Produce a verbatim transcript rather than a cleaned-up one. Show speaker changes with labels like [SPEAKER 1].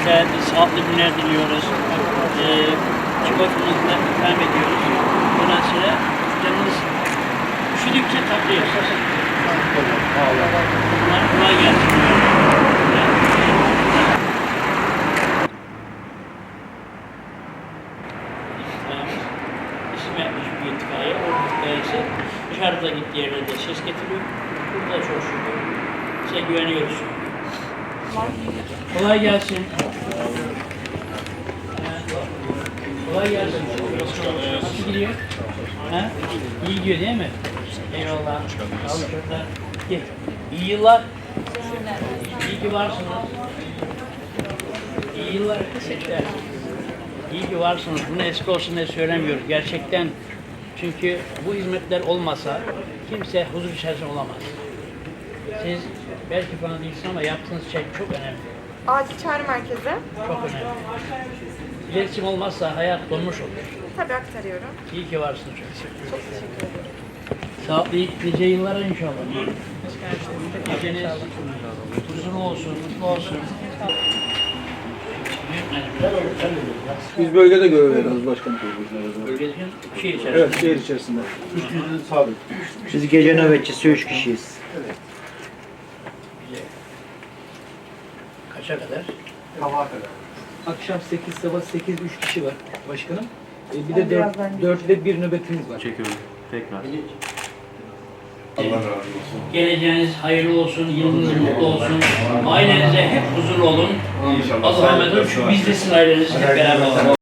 [SPEAKER 1] güzel, sağlıklı günler diliyoruz. Ee, Çikolatamızla ikram ediyoruz. Ondan sonra canınız üşüdükçe tatlı yapsın. Bunlar kolay gelsin. İsim yapmış bir itfaiye. O itfaiyesi dışarıda gittiği yerlerde ses getiriyor. Burada çok şükür. Size güveniyoruz. Kolay gelsin. Kolay gelsin. Nasıl gidiyor? Ha? İyi gidiyor değil mi? Eyvallah. Sağ olun çocuklar. Gel. İyi yıllar. İyi ki varsınız. İyi yıllar. Teşekkürler. İyi ki varsınız. Bunu eski olsun diye söylemiyoruz. Gerçekten çünkü bu hizmetler olmasa kimse huzur içerisinde olamaz. Siz belki bana değilsiniz ama yaptığınız şey çok önemli.
[SPEAKER 2] Acil çağrı merkezi.
[SPEAKER 1] Çok önemli. İletişim olmazsa hayat donmuş olur.
[SPEAKER 2] Tabii aktarıyorum.
[SPEAKER 1] İyi ki varsınız çok.
[SPEAKER 2] Çok teşekkür ederim.
[SPEAKER 1] Sağlıklı nice yıllara inşallah. Geceniz huzurlu olsun, mutlu olsun.
[SPEAKER 3] Biz bölgede görev veriyoruz başkanım.
[SPEAKER 1] Bölgedeki şehir içerisinde.
[SPEAKER 3] Evet, şehir içerisinde. Üç yüzün sabit.
[SPEAKER 4] Biz gece nöbetçisi üç kişiyiz.
[SPEAKER 1] Güzel. Kaça kadar?
[SPEAKER 3] Sabaha kadar.
[SPEAKER 5] Akşam sekiz, sabah sekiz, üç kişi var başkanım. E, bir de dört, dörtte bir nöbetimiz var.
[SPEAKER 6] Çekiyorum. Tekrar.
[SPEAKER 1] Allah razı olsun. Geleceğiniz hayırlı olsun, yılınız mutlu olsun. Ailenize hep huzurlu olun.
[SPEAKER 6] İnşallah.
[SPEAKER 1] Allah'a emanet olun. Biz de sizin aileniz hep beraber olalım.